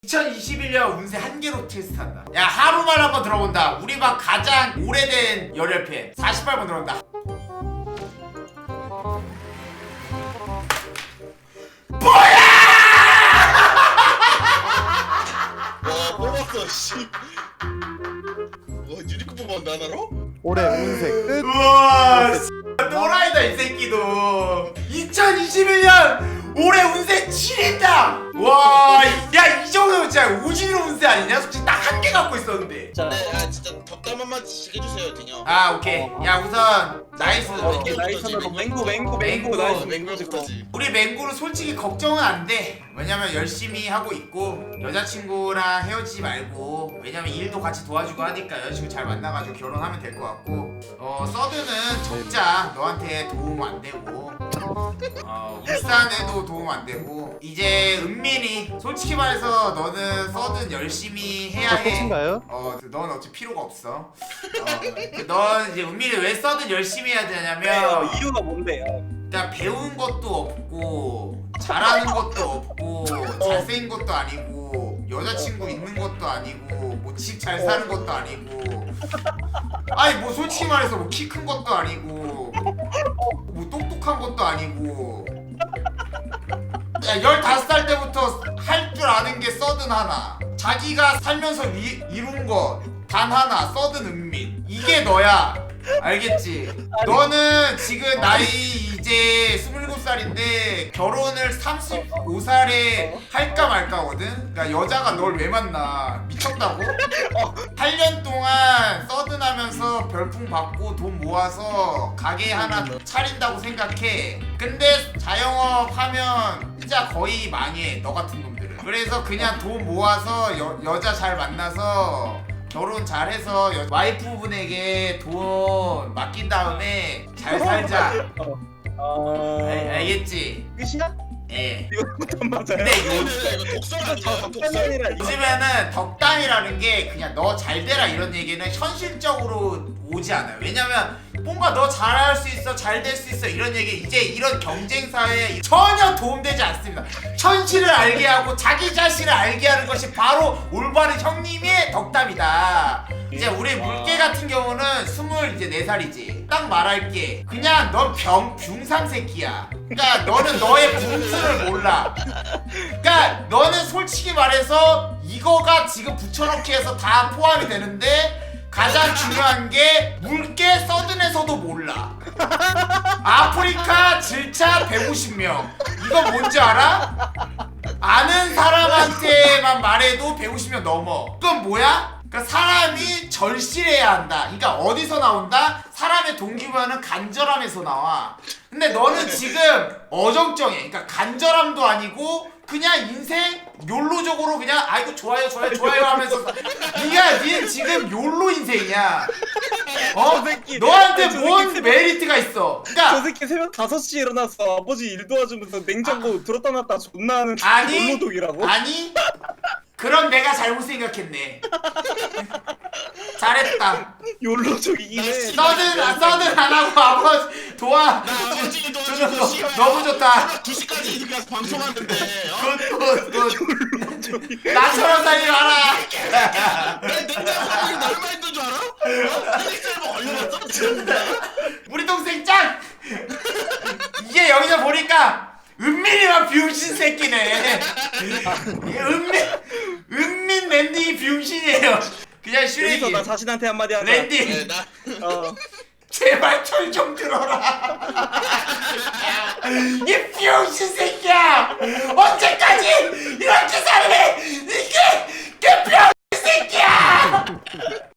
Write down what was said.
2021년 운세 한 개로 테스트한다. 야, 하루만 한번 들어본다. 우리 방 가장 오래된 열혈팬 48번 들어온다. 뭐야! 와 뽑았어 씨. 와 유니콘 뽑았는데 하나로? 올해 운세 끝. 우와, 또라이다 이 새끼도. 2021년 올해 운세 7인당. 와, 야, 이 정도면 진짜 오지로 운세 아니냐? 솔직히 딱 한 개 갖고 있었는데. 자, 네, 아 진짜 덕담한만 해주세요 딩형. 아, 오케이. 야, 우선 나이스. 나이스로 맹구 맹구. 나이스 맹구까지. 우리 맹구는 솔직히 걱정은 안 돼. 왜냐면 열심히 하고 있고 여자친구랑 헤어지지 말고, 왜냐면 일도 같이 도와주고 하니까 여자친구 잘 만나가지고 결혼하면 될 것 같고, 서드는 적자. 너한테 도움 안 되고, 울산에도 도움 안 되고, 이제 은민이 솔직히 말해서 너는 서든 열심히 해야 해. 끝인가요? 넌 어차피 필요가 없어. 넌 이제 은민이 왜 서든 열심히 해야 되냐면 이유가 뭔데요? 그러니까 배운 것도 없고 잘하는 것도 없고 잘생긴 것도 아니고 여자친구 있는 것도 아니고 뭐 집 잘 사는 것도 아니고, 아니 뭐 솔직히 말해서 뭐 키 큰 것도 아니고 뭐 똑똑한 것도 아니고, 야, 15살 때부터 할 줄 아는 게 서든 하나, 자기가 살면서 이룬 거 단 하나, 서든 은민. 이게 너야. 알겠지? 너는 지금 나이 이제 27살인데 결혼을 35살에 할까 말까거든? 그러니까 여자가 널 왜 만나? 미쳤다고? 8년 동안 서든하면서 별풍 받고 돈 모아서 가게 하나 차린다고 생각해. 근데 자영업 하면 진짜 거의 망해, 너 같은 놈들은. 그래서 그냥 돈 모아서 여자 잘 만나서 결혼 잘해서 와이프분에게 돈 맡긴 다음에 잘 살자. 알겠지? 끝이야? 예. 이거 맞아요. 근데 이거 독설 아니야 독설. 요즘에는 덕담이라는 게 그냥 너 잘 되라 이런 얘기는 현실적으로 오지 않아요. 왜냐면 뭔가 너 잘할 수 있어, 잘 될 수 있어 이런 얘기, 이제 이런 경쟁 사회에 전혀 도움되지 않습니다. 현실을 알게 하고 자기 자신을 알게 하는 것이 바로 올바른 형님의 덕담이다. 이제 우리 물개 같은 경우는 24살이지. 딱 말할게. 그냥 넌 뷰상 새끼야. 그러니까 너는 너의 분수를 몰라. 그러니까 너는 솔직히 말해서 이거가 지금 붙여넣기 해서 다 포함이 되는데, 가장 중요한 게 물개 서든에서도 몰라. 아프리카 질차 150명. 이거 뭔지 알아? 아는 사람한테만 말해도 150명 넘어. 그건 뭐야? 그러니까 사람이 절실해야 한다. 그러니까 어디서 나온다? 사람의 동기부여는 간절함에서 나와. 근데 너는 지금 어정쩡해. 그러니까 간절함도 아니고 그냥 인생 욜로적으로 그냥 아이고 좋아요 하면서 니는 지금 욜로 인생이야. 너한테 뭔 메리트가 있어? 저 그러니까 새끼 새벽 5시에 일어나서 아버지 일 도와주면서 냉장고 들었다 놨다 존나 하는 아니 롤로독이라고? 아니 그럼 내가 잘못 생각했네. 잘했다. 욜로족이긴 해. 서든 안 하고 아버지 나 아버지 도와주고 씨발. 너무 좋다. 2시까지 이렇게 가서 방송하는데. 굿. 나처럼 살지 마라. 내 냉장고에 얼마 있는 줄 알아? 헬릭셀버 걸려놨어 진짜. 우리 동생 짱. 이게 여기서 보니까 은민이만 병신 새끼네. 은민 랜디 병신이에요. 그냥 여기서 슈렉이. 나 자신한테 한마디 하자. 랜디 네, 나 제발 철 좀 들어라. 이 병신 새끼야. 언제까지 이렇게 살래? 이게 병신 새끼야.